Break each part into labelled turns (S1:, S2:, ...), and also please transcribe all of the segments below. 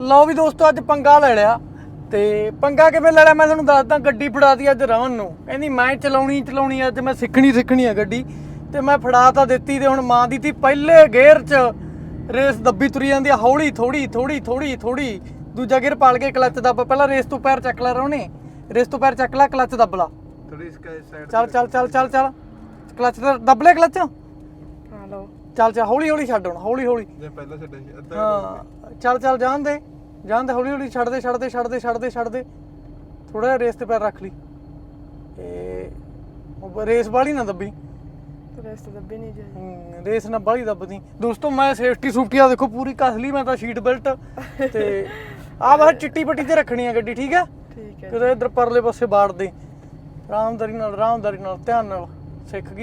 S1: ਲਓ ਵੀ ਦੋਸਤੋ ਅੱਜ ਪੰਗਾ ਲੈ ਲਿਆ ਤੇ ਪੰਗਾ ਕਿਵੇਂ ਲੈ ਲਿਆ ਮੈਂ ਤੁਹਾਨੂੰ ਦੱਸਦਾ। ਗੱਡੀ ਫੜਾਤੀ ਅੱਜ ਰਮਨ ਨੂੰ, ਕਹਿੰਦੀ ਮੈਂ ਚਲਾਉਣੀ ਅੱਜ ਮੈਂ ਸਿੱਖਣੀ ਆ ਗੱਡੀ ਤੇ ਮੈਂ ਫੜਾ ਤਾਂ ਦਿੱਤੀ ਤੇ ਹੁਣ ਮਾਂ ਦੀ ਤੀ ਪਹਿਲੇ ਗੇਅਰ 'ਚ ਰੇਸ ਦੱਬੀ ਤੁਰੀ ਜਾਂਦੀ ਆ, ਹੌਲੀ ਥੋੜੀ ਦੂਜਾ ਗੇਅਰ ਪਾਲ ਕੇ ਕਲੱਚ ਦੱਬ, ਪਹਿਲਾਂ ਰੇਸ ਤੋਂ ਪੈਰ ਚੱਕ ਲੈ ਰੋਣੇ, ਰੇਸ ਤੋਂ ਪੈਰ ਚੱਕ ਲੈ ਕਲੱਚ ਦੱਬ ਲਾ
S2: ਥੋੜੀ ਇਸ ਸਾਈਡ
S1: ਚੱਲ ਕਲੱਚ ਦੱਬ ਲੈ ਕਲੱਚ।
S3: ਹਾਂ ਲਓ
S1: ਚੱਲ ਹੌਲੀ ਛੱਡ ਹੁਣ ਹੌਲੀ
S2: ਜੇ ਪਹਿਲਾਂ ਛੱਡਿਆ ਸੀ ਅੱਧਾ
S1: ਹਾਂ ਚੱਲ ਜਾਣ ਦੇ ਹੌਲੀ ਛੱਡ ਦੇ ਥੋੜਾ ਜਿਹਾ ਰੇਸ ਤੇ ਪੈਰ ਰੱਖ ਲਈ। ਇਹ ਰੇਸ ਵਾਲੀ ਨਾ ਦੱਬੀ,
S3: ਰੇਸ ਤਾਂ ਦੱਬੀ ਨਹੀਂ ਜਾਈ।
S1: ਰੇਸ ਨਾ ਬਾਹਲੀ ਦੱਬਦੀ ਦੋਸਤੋ। ਮੈਂ ਸੇਫਟੀ ਸੂਫਟੀਆ ਦੇਖੋ ਪੂਰੀ ਕਸ ਲਈ ਮੈਂ ਤਾਂ, ਸ਼ੀਟ ਬੈਲਟ ਤੇ ਆਹ ਬਾਹਰ ਚਿੱਟੀ ਪੱਟੀ ਤੇ ਰੱਖਣੀ ਆ ਗੱਡੀ, ਠੀਕ ਹੈ
S3: ਠੀਕ ਹੈ।
S1: ਕਿਤੇ ਇੱਧਰ ਪਰਲੇ ਪਾਸੇ ਬਾੜ ਦੇ, ਆਰਾਮਦਾਰੀ ਨਾਲ ਧਿਆਨ ਨਾਲ। ਸਿੱਖ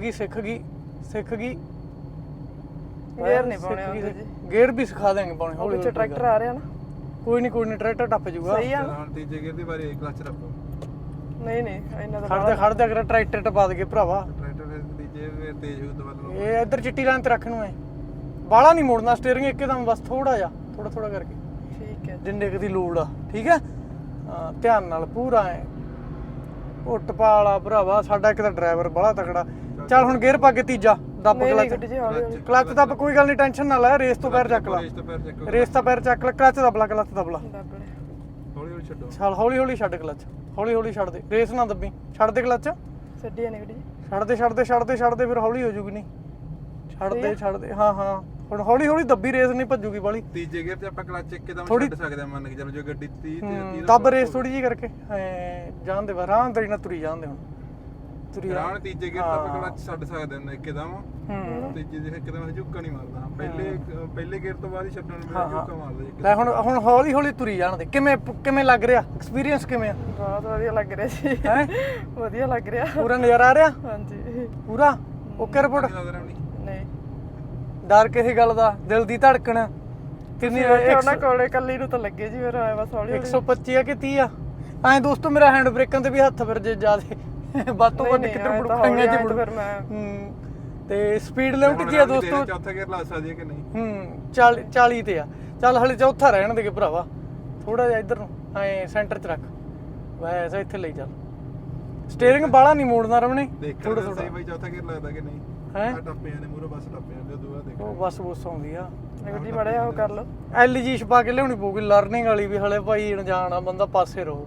S1: ਗਈ
S3: ਗੇਅਰ ਨਹੀਂ ਪਾਉਣੇ ਆਉਂਦੇ ਜੀ,
S1: ਗੇਅਰ ਵੀ ਸਿਖਾ ਦੇਣਗੇ ਪਾਉਣੇ ਹੌਲੀ
S3: ਪਿੱਛੇ ਟਰੈਕਟਰ ਆ ਰਿਹਾ ਨਾ।
S1: ਕੋਈ ਨਹੀਂ ਟਰੈਕਟਰ ਟੱਪ ਜਾਊਗਾ।
S3: ਸਹੀ ਆ।
S2: ਹੁਣ ਤੀਜੇ ਗੇਅਰ ਦੀ ਵਾਰੀ ਕਲਚ ਰੱਖੋ।
S3: ਨਹੀਂ ਇਹਨਾਂ ਦਾ
S1: ਖੜਦੇ ਅਗਰ ਟਰੈਕਟਰ ਟਪਾ ਦੇਗੇ ਭਰਾਵਾ।
S2: ਟਰੈਕਟਰ ਫਿਰ ਤੀਜੇ ਫਿਰ ਤੇਜ਼ ਹੋ ਦਵਾ
S1: ਇਹ ਇੱਧਰ ਚਿੱਟੀ ਲਾਈਨ ਤੇ ਰੱਖ ਨੂੰ ਐ, ਬਾਹਲਾ ਨਹੀਂ ਮੋੜਨਾ ਸਟੀਅਰਿੰਗ ਇੱਕਦਮ, ਬਸ ਥੋੜਾ ਕਰਕੇ
S3: ਠੀਕ ਹੈ।
S1: ਜਿੰਨੇ ਕੁ ਦੀ ਲੋੜ ਆ, ਠੀਕ ਹੈ। ਹਾਂ ਧਿਆਨ ਨਾਲ ਪੂਰਾ ਐ ਉੱਟ ਪਾਲਾ ਭਰਾਵਾ ਸਾਡਾ, ਇੱਕ ਤਾਂ ਡਰਾਈਵਰ ਬੜਾ ਤਕੜਾ। ਚੱਲ ਹੁਣ ਗੇਅਰ ਪਾ ਕੇ ਤੀਜਾ ਦੱਬ ਕਲੱਚ ਦੱਬ, ਕੋਈ ਗੱਲ ਨਹੀਂ ਟੈਨਸ਼ਨ ਨਾ ਲੈ, ਰੇਸ ਤੋਂ ਪੈਰ ਚੱਕ ਲਾ, ਰੇਸ ਤੋਂ ਪੈਰ ਚੱਕ ਲੈ, ਕਲੱਚ ਦੱਬ ਲਾ
S2: ਹੌਲੀ ਛੱਡੋ।
S1: ਚੱਲ ਹੌਲੀ ਛੱਡ ਕਲੱਚ, ਹੌਲੀ ਛੱਡ ਦੇ, ਰੇਸ ਨਾ ਦੱਬੀ, ਛੱਡ ਦੇ ਕਲੱਚ,
S3: ਛੱਡੀ ਨਹੀਂ ਗੱਡੀ,
S1: ਛੱਡ ਦੇ ਫਿਰ ਹੌਲੀ ਹੋ ਜੂਗੀ। ਨਹੀਂ ਛੱਡ ਦੇ ਹਾਂ ਹੁਣ ਹੌਲੀ ਦੱਬੀ, ਰੇਸ ਨਹੀਂ ਭੱਜੂਗੀ ਬਾਲੀ।
S2: ਤੀਜੇ ਗੇਅਰ ਤੇ ਆਪਾਂ ਕਲਚ ਇੱਕਦਮ ਛੱਡ ਸਕਦੇ ਆ, ਮੰਨ ਕੇ ਚਲੋ ਜੋ ਗੱਡੀ 30 ਤੇ
S1: ਦੱਬ ਰੇਸ ਥੋੜੀ ਜਿਹੀ ਕਰਕੇ ਜਾਣ ਦੇ, ਆਰਾਮ ਨਾਲ ਤੁਰੀ ਜਾਣ ਦੇ। ਹੁਣ ਤੁਰੀ
S2: ਰਾਣ ਤੀਜੇ ਗੇਅਰ ਤੇ ਆਪਾਂ ਕਲਚ ਛੱਡ ਸਕਦੇ ਹਾਂ ਇੱਕਦਮ। ਤੀਜੇ ਦੇ ਇੱਕਦਮ ਝੁੱਕਾ ਨਹੀਂ ਮਾਰਦਾ, ਪਹਿਲੇ ਗੇਅਰ ਤੋਂ ਬਾਅਦ ਹੀ ਛੱਡਣ ਨੂੰ ਝੁੱਕਾ ਮਾਰਦਾ।
S1: ਲੈ ਹੁਣ ਹੌਲੀ ਤੁਰੀ ਜਾਣ ਦੇ। ਕਿਵੇਂ ਲੱਗ ਰਿਹਾ ਐਕਸਪੀਰੀਅੰਸ, ਕਿਵੇਂ ਆ?
S3: ਬਹੁਤ ਵਧੀਆ ਲੱਗ ਰਿਹਾ ਜੀ,
S1: ਹੈ
S3: ਵਧੀਆ ਲੱਗ ਰਿਹਾ,
S1: ਪੂਰਾ ਨਜ਼ਾਰਾ ਆ ਰਿਹਾ?
S3: ਹਾਂਜੀ
S1: ਪੂਰਾ ਓਕੇ ਰਿਪੋਰਟ।
S3: ਨਹੀਂ
S1: ਡਰ ਕਿਸੇ ਗੱਲ ਦਾ, ਦਿਲ ਦੀ ਧੜਕਣ ਕਿੰਨੀ?
S3: ਉਹਨਾਂ ਕੋਲੇ ਕੱਲੀ ਨੂੰ ਤਾਂ ਲੱਗੇ ਜੀ, ਫਿਰ ਆਇਆ ਬਸ ਹੌਲੀ
S1: 125 ਆ ਕਿ 30 ਆ? ਐਂ ਦੋਸਤੋ ਮੇਰਾ ਹੈਂਡ ਬ੍ਰੇਕਾਂ ਤੇ ਵੀ ਹੱਥ ਫਿਰ ਜੇ ਜ਼ਿਆਦੇ ਵੱਧ ਤੋਂ ਵੱਧ ਕਿੱਧਰ ਬੜਕਾਈਆਂ ਚ
S3: ਫਿਰ ਮੈਂ
S1: ਤੇ ਸਪੀਡ ਲਿਮਟ ਕੀ ਆ ਦੋਸਤੋ?
S2: ਚੌਥਾ ਗੇਅਰ ਲਾ ਸਕਦੀ ਹੈ ਕਿ ਨਹੀਂ?
S1: 40 ਤੇ ਆ। ਚੱਲ ਹਲੇ ਚੌਥਾ ਰਹਿਣ ਦੇ ਭਰਾਵਾ, ਥੋੜਾ ਜਿਹਾ ਇੱਧਰ ਨੂੰ ਐ ਸੈਂਟਰ ਚ ਰੱਖ, ਵੈਸੇ ਇੱਥੇ ਲਈ ਚੱਲ। ਸਟੀਅਰਿੰਗ ਬਾਹਲਾ ਨਹੀਂ ਮੋੜਨਾ ਰਮਣੇ,
S2: ਥੋੜਾ ਸਹੀ ਬਾਈ ਚੌਥਾ ਗੇਅਰ ਲੱਗਦਾ ਕਿ ਨਹੀਂ?
S1: ਹੈ
S2: ਟੱਪਿਆਂ ਨੇ ਮੂਹਰੇ ਬਸ ਟੱਪਿਆਂ ਦੇ ਦੂਆ ਦੇਖ
S1: ਉਹ ਬਸ ਆਉਂਦੀ ਆ
S3: ਗੱਡੀ ਮੜਿਆ ਉਹ ਕਰ ਲਓ।
S1: LG ਛਪਾ ਕੇ ਲਿਆਉਣੀ ਪਊਗੀ ਲਰਨਿੰਗ ਵਾਲੀ ਵੀ, ਹਲੇ ਭਾਈ ਅਣਜਾਣ ਆ ਬੰਦਾ, ਪਾਸੇ ਰਹੋ।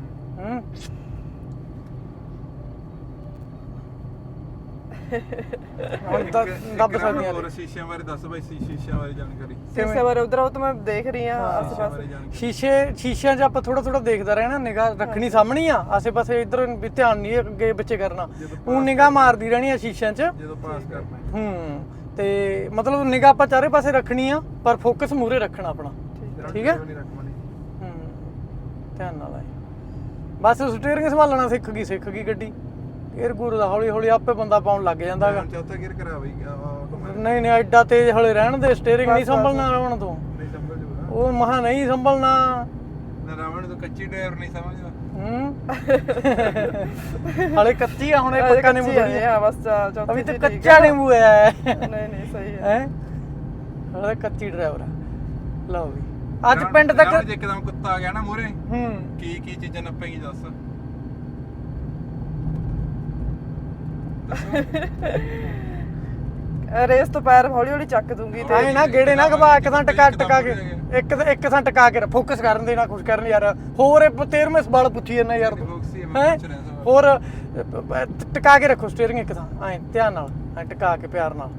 S1: ਹੁਣ ਦੱਬ ਸਕਦੀਆਂ
S2: ਹੋਰ ਸ਼ੀਸ਼ਿਆਂ ਬਾਰੇ ਦੱਸ ਬਾਈ, ਸ਼ੀਸ਼ਿਆਂ ਬਾਰੇ ਜਾਣਕਾਰੀ।
S3: ਸ਼ੀਸ਼ੇ ਬਾਰੇ ਉਧਰ ਉਹ ਤਾਂ ਮੈਂ ਦੇਖ ਰਹੀ ਆ ਆਸ ਪਾਸ।
S1: ਸ਼ੀਸ਼ਿਆਂ 'ਚ ਆਪਾਂ ਥੋੜਾ ਦੇਖਦਾ ਰਹਿਣਾ, ਨਿਗਾਹ ਰੱਖਣੀ ਸਾਹਮਣੀ ਆ, ਆਸੇ ਪਾਸੇ ਇੱਧਰ ਵੀ ਧਿਆਨ ਨਹੀਂ ਅੱਗੇ ਪਿੱਛੇ ਕਰਨਾ, ਉਹ ਨਿਗਾਹ ਮਾਰਦੀ ਰਹਿਣੀ ਆ ਸ਼ੀਸ਼ਿਆਂ 'ਚ
S2: ਜਦੋਂ ਪਾਸ ਕਰਨਾ।
S1: ਤੇ ਮਤਲਬ ਨਿਗਾਹ ਆਪਾਂ ਚਾਰੇ ਪਾਸੇ ਰੱਖਣੀ ਆ, ਪਰ ਫੋਕਸ ਮੂਰੇ ਰੱਖਣਾ ਆਪਣਾ, ਠੀਕ ਹੈ। ਧਿਆਨ ਨਾਲ ਆਏ ਬਸ। ਸਟੀਅਰਿੰਗ ਸੰਭਾਲਣਾ ਸਿੱਖ ਗਈ ਗੱਡੀ, ਗੇਅਰ ਗੂਰ ਦਾ ਹੌਲੀ ਆਪੇ ਬੰਦਾ ਪਾਉਣ ਲੱਗ ਜਾਂਦਾ ਹੈਗਾ।
S2: ਚੌਥਾ ਗੇਅਰ ਕਰਾ ਬਈ
S1: ਨਹੀਂ ਐਡਾ ਤੇਜ਼ ਹੌਲੀ ਰਹਿਣ ਦੇ, ਸਟੀਅਰਿੰਗ ਨਹੀਂ ਸੰਭਲਣਾ ਰਾਵਣ ਤੋਂ,
S2: ਨਹੀਂ ਸੰਭਲ ਜੂਗਾ
S1: ਉਹ ਮਹਾ ਨਹੀਂ ਸੰਭਲਣਾ।
S2: ਨਾ ਰਾਵਣ ਤੋਂ ਕੱਚੀ ਡਰਾਈਵਰ ਨਹੀਂ ਸਮਝਦਾ।
S1: ਹਲੇ ਕੱਚੀ ਆ, ਹੁਣ ਇਹ ਪੱਕਾ ਨਿੰਬੂ
S3: ਹੈ ਬਸ, ਚੌਥੀ
S1: ਅਭੀ ਤਾਂ ਕੱਚਾ ਨਿੰਬੂ ਹੈ।
S3: ਨਹੀਂ ਸਹੀ ਹੈ,
S1: ਹਲੇ ਕੱਚੀ ਡਰਾਈਵਰ ਆ। ਲਓ ਵੀ ਅੱਜ ਪਿੰਡ ਤੱਕ
S2: ਜੇ ਇੱਕਦਮ ਕੁੱਤਾ ਆ ਗਿਆ ਨਾ ਮੂਹਰੇ, ਕੀ ਚੀਜ਼ਾਂ ਨੱਪੇਗੀ ਦੱਸ?
S3: ਰੇਸ ਤੋਂ ਪੈਰ ਹੌਲੀ ਚੱਕ ਦੂੰਗੀ ਤੇ
S1: ਐ ਨਾ ਗੇੜੇ ਨਾ ਘਵਾ, ਇੱਕ ਥਾਂ ਟਕਾ ਕੇ ਇੱਕ ਥਾਂ ਟਕਾ ਕੇ ਫੋਕਸ ਕਰਨ ਦੇ ਨਾ, ਕੁਛ ਕਰਨ ਯਾਰ। ਹੋਰ 13ਵੇਂ ਸਵਾਲ ਪੁੱਛੀ ਜਾਂਦਾ ਯਾਰ ਤੂੰ, ਹੈ ਹੋਰ ਟਕਾ ਕੇ ਰੱਖੋ ਸਟੀਅਰਿੰਗ ਇੱਕ ਥਾਂ, ਐ ਧਿਆਨ ਨਾਲ, ਐ ਟਕਾ ਕੇ ਪਿਆਰ ਨਾਲ।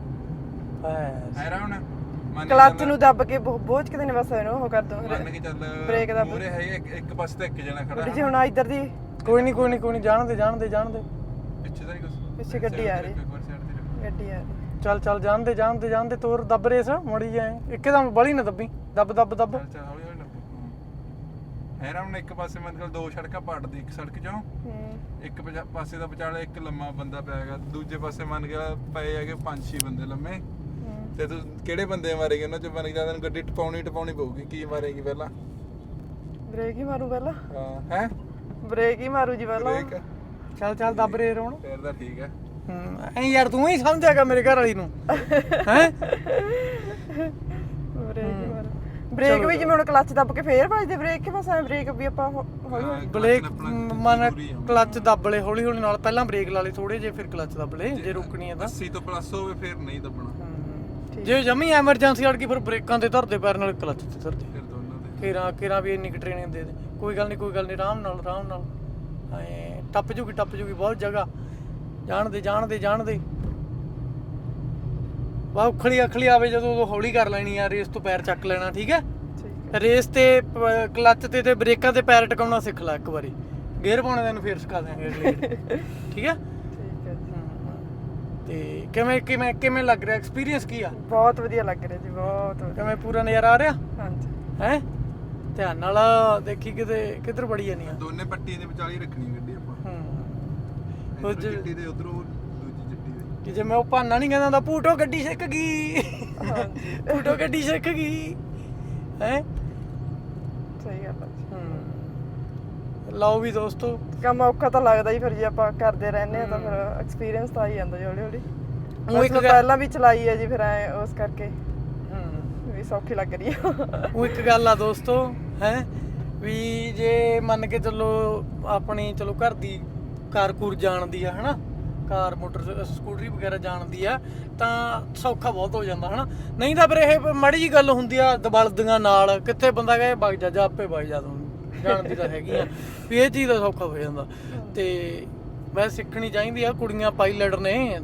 S3: ਕਲੱਚ ਨੂੰ ਦੱਬ ਕੇ ਬੋਝ ਕਿਤੇ ਨੇ ਬਸ ਇਹਨੂੰ ਉਹ ਕਰ ਦੋ,
S2: ਮੰਨ ਕੇ ਚੱਲ
S3: ਬ੍ਰੇਕ ਦਾ
S2: ਮੂਹਰੇ ਹੈ ਇੱਕ ਪਾਸੇ ਤੇ ਇੱਕ ਜਣਾ ਖੜਾ
S3: ਜੀ। ਹੁਣ ਇੱਧਰ ਦੀ
S1: ਕੋਈ ਨਹੀਂ ਜਾਣ ਦੇ
S2: ਪਿੱਛੇ ਤਾਂ ਨਹੀਂ ਕੁਛ,
S3: ਪਿੱਛੇ ਗੱਡੀ ਆ ਰਹੀ, ਗੱਡੀ ਆ ਰਹੀ।
S1: ਚੱਲ ਜਾਣ ਦੇ ਤੋਰ ਦੱਬ ਰੇਸ ਮੜੀ ਜਾਏ, ਇੱਕਦਮ ਬਲੀ ਨਾ ਦੱਬੀ, ਦੱਬ
S2: ਚੱਲ ਹੌਲੀ ਹੈਰਾਮ ਨੇ ਇੱਕ ਪਾਸੇ ਮਤਲਬ ਦੋ ਸੜਕਾਂ ਪੜਦੀ, ਇੱਕ ਸੜਕ ਚੋਂ ਇੱਕ ਪਾਸੇ ਦਾ ਵਿਚਾਲੇ ਇੱਕ ਲੰਮਾ ਬੰਦਾ ਪਿਆ ਹੈਗਾ, ਦੂਜੇ ਪਾਸੇ ਮੰਨ ਗਿਆ ਪਏ ਹੈਗੇ 5-6 ਬੰਦੇ ਲੰਮੇ। ਤੇ ਤੂੰ ਕਿਹੜੇ ਬੰਦੇ ਮਾਰੇਗੀ ਉਹਨਾਂ ਚੋਂ? ਬਣ ਗਿਆ ਤੈਨੂੰ ਗੱਡੀ ਟਪਾਉਣੀ ਪਊਗੀ। ਕੀ ਮਾਰੇਗੀ ਪਹਿਲਾਂ?
S3: ਬ੍ਰੇਕ ਹੀ ਮਾਰੂ ਪਹਿਲਾਂ।
S2: ਹੈ
S3: ਬ੍ਰੇਕ ਹੀ ਮਾਰੂ ਜੀ ਪਹਿਲਾਂ।
S1: ਚੱਲ ਦੱਬ ਰੇ ਰੋਣ,
S2: ਫੇਰ ਤਾਂ ਠੀਕ ਹੈ।
S1: ਐ ਯਾਰ ਤੂੰ ਹੀ ਸਮਝਿਆਗਾ ਮੇਰੇ ਘਰ ਵਾਲੀ ਨੂੰ, ਹੈ
S3: ਬ੍ਰੇਕ ਹੀ ਮਾਰੂ। ਬ੍ਰੇਕ ਵੀ ਜਿਵੇਂ ਹੁਣ ਕਲੱਚ ਦੱਬ ਕੇ ਫੇਰ ਵੱਜਦੇ ਬ੍ਰੇਕ ਕਿ ਬਸ ਐ ਬ੍ਰੇਕ ਵੀ ਆਪਾਂ ਹੌਲੀ ਹੌਲੀ
S1: ਬ੍ਰੇਕ ਮਨ ਕਲੱਚ ਦੱਬ ਲੈ ਹੌਲੀ ਹੌਲੀ ਨਾਲ, ਪਹਿਲਾਂ ਬ੍ਰੇਕ ਲਾ ਲਈ ਥੋੜੇ ਜੇ, ਫਿਰ ਕਲੱਚ ਦੱਬ ਲੈ ਜੇ ਰੁਕਣੀ ਹੈ ਤਾਂ।
S2: 80 ਤੋਂ ਪਲੱਸ ਹੋਵੇ ਫਿਰ ਨਹੀਂ ਦੱਬਣਾ।
S1: ਜੇ ਜਮੀ ਐਮਰਜੈਂਸੀ ਅੜ ਗਈ ਫਿਰ ਬ੍ਰੇਕਾਂ ਤੇ ਧਰਦੇ ਪੈਰ ਨਾਲ, ਕਲੱਚ ਤੇ ਧਰਦੇ।
S2: ਫਿਰ ਦੋਨਾਂ ਦੇ
S1: ਕਿਰਾਂ ਵੀ ਇੰਨੀ ਕੁ ਟ੍ਰੇਨਿੰਗ ਦੇ ਦੇ, ਕੋਈ ਗੱਲ ਨਹੀਂ ਆਰਾਮ ਨਾਲ ਐ ਟੱਪ ਜੂਗੀ ਬਹੁਤ ਜਗ੍ਹਾ। ਜਾਣ ਦੇ ਬਾ ਉਖਲੀ ਆਵੇ ਜਦੋਂ ਉਦੋਂ ਹੌਲੀ ਕਰ ਲੈਣੀ ਆ, ਰੇਸ ਤੋਂ ਪੈਰ ਚੱਕ ਲੈਣਾ, ਠੀਕ ਹੈ।
S3: ਠੀਕ ਹੈ।
S1: ਰੇਸ ਤੇ ਕਲੱਚ ਤੇ ਬ੍ਰੇਕਾਂ ਤੇ ਪੈਰ ਟਿਕਾਉਣਾ ਸਿੱਖ ਲੈ ਇੱਕ ਵਾਰੀ, ਗੇਅਰ ਪਾਉਣੇ ਤੈਨੂੰ ਫੇਰ ਸਿਖਾ ਦਿਆਂਗੇ ਅਗਲੇ ਠੀਕ ਹੈ।
S3: ਠੀਕ ਹੈ ਜੀ।
S1: ਤੇ ਕਿਵੇਂ ਲੱਗ ਰਿਹਾ, ਐਕਸਪੀਰੀਅੰਸ ਕੀ ਆ?
S3: ਬਹੁਤ ਵਧੀਆ ਲੱਗ ਰਿਹਾ ਜੀ, ਬਹੁਤ ਵਧੀਆ।
S1: ਕਿਵੇਂ ਪੂਰਾ ਨਜ਼ਾਰਾ ਆ ਰਿਹਾ
S3: ਹਾਂਜੀ
S1: ਹੈ? ਧਿਆਨ ਨਾਲ ਦੇਖੀ ਕਿੱਧਰ ਬੜੀ ਜਾਨੀ ਆ।
S2: ਦੋਨੇ ਪੱਟੀਆਂ ਦੇ ਵਿਚਾਲੇ ਹੀ ਰੱਖਣੀ ਗੱਡੀ ਆਪਾਂ।
S1: ਉਹ
S2: ਇੱਕ ਚਿੱਟੀ ਦੇ ਉਧਰੋਂ ਦੂਜੀ ਚਿੱਟੀ ਦੇ।
S1: ਕਿ ਜੇ ਮੈਂ ਉਹ ਭਾਨਾ ਨਹੀਂ ਕਹਿੰਦਾ ਹੁੰਦਾ, ਭੂਟੋ ਗੱਡੀ ਸਿੱਖ ਗਈ, ਭੂਟੋ ਗੱਡੀ ਸਿੱਖ ਗਈ ਹੈ।
S3: ਸਹੀ ਗੱਲ ਹੈ ਜੀ।
S1: ਲਓ ਵੀ ਦੋਸਤੋ,
S3: ਕੰਮ ਔਖਾ ਤਾਂ ਲੱਗਦਾ ਹੀ ਫਿਰ, ਜੇ ਆਪਾਂ ਕਰਦੇ ਰਹਿੰਦੇ ਆ ਤਾਂ ਫਿਰ ਐਕਸਪੀਰੀਅੰਸ ਤਾਂ ਆ ਹੀ ਜਾਂਦਾ ਜੀ ਹੌਲੀ ਹੌਲੀ।
S1: ਉਹ ਇੱਕ
S3: ਪਹਿਲਾਂ ਵੀ ਚਲਾਈ ਹੈ ਜੀ, ਫਿਰ ਐ ਉਸ ਕਰਕੇ ਵੀ ਸੌਖੀ ਲੱਗ ਰਹੀ ਆ।
S1: ਉਹ ਇੱਕ ਗੱਲ ਆ ਦੋਸਤੋ ਹੈ ਵੀ, ਜੇ ਮੰਨ ਕੇ ਚੱਲੋ ਆਪਣੀ ਚਲੋ ਘਰ ਦੀ ਕਾਰ ਕੂਰ ਜਾਣਦੀ ਆ ਹਨਾ, ਕਾਰ ਮੋਟਰ ਸਕੂਟਰੀ ਵਗੈਰਾ ਜਾਣਦੀ ਆ ਤਾਂ ਸੌਖਾ ਬਹੁਤ ਹੋ ਜਾਂਦਾ ਹਨਾ। ਨਹੀਂ ਤਾਂ ਫਿਰ ਇਹ ਮਾੜੀ ਜੀ ਗੱਲ ਹੁੰਦੀ ਆ ਦਬਲਦੀਆਂ ਨਾਲ, ਕਿੱਥੇ ਬੰਦਾ ਕਹੇ ਵਗ ਜਾ ਆਪੇ ਵਗ ਜਾ, ਤੂੰ ਜਾਣਦੀ ਤਾਂ ਹੈਗੀ ਆ ਵੀ ਇਹ ਚੀਜ਼ ਦਾ ਸੌਖਾ ਹੋ ਜਾਂਦਾ। ਤੇ ਵੈਸੇ ਸਿੱਖਣੀ ਚਾਹੀਦੀ ਆ, ਕੁੜੀਆਂ ਪਾਇਲਟ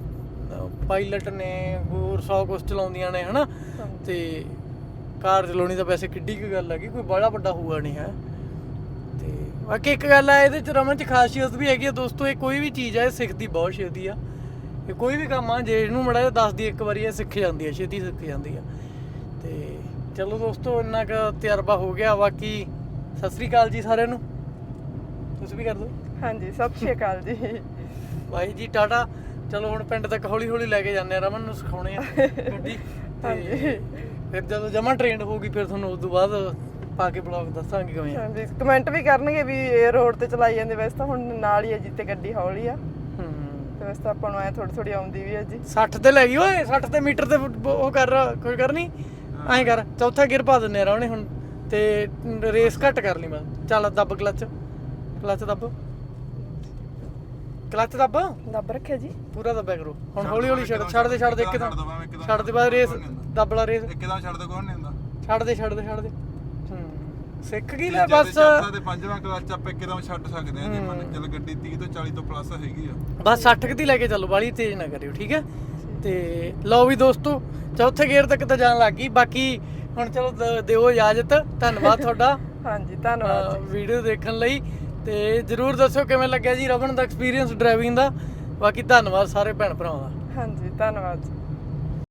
S1: ਨੇ ਹੋਰ 100 ਕੁਛ ਚਲਾਉਂਦੀਆਂ ਨੇ ਹਨਾ। ਤੇ ਕਾਰ ਚਲਾਉਣੀ ਤਾਂ ਵੈਸੇ ਕਿੱਡੀ ਕੁ ਗੱਲ ਹੈਗੀ, ਕੋਈ ਬੜਾ ਵੱਡਾ ਹੋਊਗਾ ਨਹੀਂ ਹੈ। ਤੇ ਬਾਕੀ ਇੱਕ ਗੱਲ ਆ ਇਹਦੇ ਚ ਰਮਨ ਚ ਖਾਸੀਅਤ ਵੀ ਹੈਗੀ ਆ ਦੋਸਤੋ, ਇਹ ਕੋਈ ਵੀ ਚੀਜ਼ ਆ ਇਹ ਸਿੱਖਦੀ ਬਹੁਤ ਛੇਤੀ ਆ। ਇਹ ਕੋਈ ਵੀ ਕੰਮ ਆ ਜੇ ਇਹਨੂੰ ਮੜਾ ਜਿਹਾ ਦੱਸਦੀ ਇੱਕ ਵਾਰੀ, ਇਹ ਸਿੱਖ ਜਾਂਦੀ ਆ, ਛੇਤੀ ਸਿੱਖ ਜਾਂਦੀ ਆ। ਤੇ ਚਲੋ ਦੋਸਤੋ, ਇੰਨਾ ਕੁ ਤਜਰਬਾ ਹੋ ਗਿਆ। ਬਾਕੀ ਸਤਿ ਸ੍ਰੀ ਅਕਾਲ ਜੀ ਸਾਰਿਆਂ ਨੂੰ, ਤੁਸੀਂ ਵੀ ਕਰ ਦਿਓ।
S3: ਹਾਂਜੀ, ਸਤਿ ਸ਼੍ਰੀ ਅਕਾਲ ਜੀ।
S1: ਬਾਈ ਜੀ ਟਾਟਾ। ਚਲੋ ਹੁਣ ਪਿੰਡ ਤੱਕ ਹੌਲੀ ਹੌਲੀ ਲੈ ਕੇ ਜਾਂਦੇ ਆ, ਰਮਨ ਨੂੰ ਸਿਖਾਉਣੇ ਆ ਗੱਡੀ। ਤੇ ਫਿਰ ਜਦੋਂ ਜਮਾ ਟ੍ਰੇਨਡ ਹੋਊਗੀ ਫਿਰ ਤੁਹਾਨੂੰ ਉਸ ਤੋਂ ਬਾਅਦ ਪਾ ਕੇ ਬਲੌਗ ਦੱਸਾਂਗੇ ਕਿਵੇਂ ਆ।
S3: ਹਾਂਜੀ, ਕਮੈਂਟ ਵੀ ਕਰਨਗੇ ਵੀ ਇਹ ਰੋਡ ਤੇ ਚਲਾਈ ਜਾਂਦੇ, ਵੈਸੇ ਤਾਂ ਹੁਣ ਨਾਲ ਹੀ ਹੈ ਜਿੱਤੇ ਗੱਡੀ ਹੌਲੀ ਆ, ਤੇ ਵੈਸੇ ਤਾਂ ਆਪਾਂ ਨੂੰ ਐ ਥੋੜੀ ਆਉਂਦੀ ਵੀ ਹੈ ਜੀ।
S1: 60 ਤੇ ਲੈ ਗਈ ਓਏ, 60 ਤੇ ਮੀਟਰ ਤੇ ਉਹ ਕਰ ਕੋਈ ਕਰ ਨਹੀਂ ਐਂ ਕਰ, ਚੌਥਾ ਗੇਅਰ ਪਾ ਦਿੰਨੇ ਆ ਰਾਵਣੇ ਹੁਣ, ਤੇ ਰੇਸ ਘੱਟ ਕਰ ਲਈ ਮੈਂ। ਚੱਲ ਦੱਬ ਕਲੱਚ
S3: ਦੱਬ ਰੱਖਿਆ ਜੀ,
S1: ਪੂਰਾ ਦੱਬਿਆ ਕਰੋ ਹੁਣ। ਹੌਲੀ ਹੌਲੀ ਛੱਡ ਦੇ ਇੱਕਦਮ ਛੱਡ ਦੇ, ਬਾਅਦ ਰੇਸ ਦੱਬ ਲਾ, ਰੇਸ
S2: ਇੱਕਦਮ ਛੱਡ ਦੋ, ਕੌਣ ਨਹੀਂ ਹੁੰਦਾ।
S1: ਛੱਡ ਦੇ ਸਿੱਖ ਗਈ ਲੈ ਬਸ।
S2: ਚੌਥਾ ਤੇ ਪੰਜਵਾਂ ਕਲੱਚ ਆਪਾਂ ਇੱਕਦਮ ਛੱਡ ਸਕਦੇ ਆ ਜੇ ਮੰਨ ਚੱਲ ਗੱਡੀ 30 ਤੋਂ 40 ਤੋਂ ਪਲੱਸ ਹੈਗੀ ਆ।
S1: ਬਸ 60 ਦੀ ਲੈ ਕੇ ਚੱਲੋ, ਬਾਲੀ ਤੇਜ਼ ਨਾ ਕਰਿਓ ਠੀਕ ਹੈ। ਤੇ ਲਓ ਵੀ ਦੋਸਤੋ, ਚੌਥੇ ਗੇਅਰ ਤੱਕ ਤਾਂ ਜਾਣ ਲੱਗ ਗਈ। ਬਾਕੀ ਹੁਣ ਚਲੋ ਦਿਓ ਇਜਾਜ਼ਤ, ਧੰਨਵਾਦ ਤੁਹਾਡਾ।
S3: ਹਾਂਜੀ ਧੰਨਵਾਦ
S1: ਵੀਡੀਓ ਦੇਖਣ ਲਈ। ਤੇ ਜਰੂਰ ਦੱਸਿਓ ਕਿਵੇਂ ਲੱਗਿਆ ਜੀ ਰਮਨ ਦਾ ਐਕਸਪੀਰੀਅੰਸ ਡਰਾਈਵਿੰਗ ਦਾ। ਬਾਕੀ ਧੰਨਵਾਦ ਸਾਰੇ ਭੈਣ ਭਰਾਵਾਂ ਦਾ।
S3: ਹਾਂਜੀ ਧੰਨਵਾਦ ਜੀ।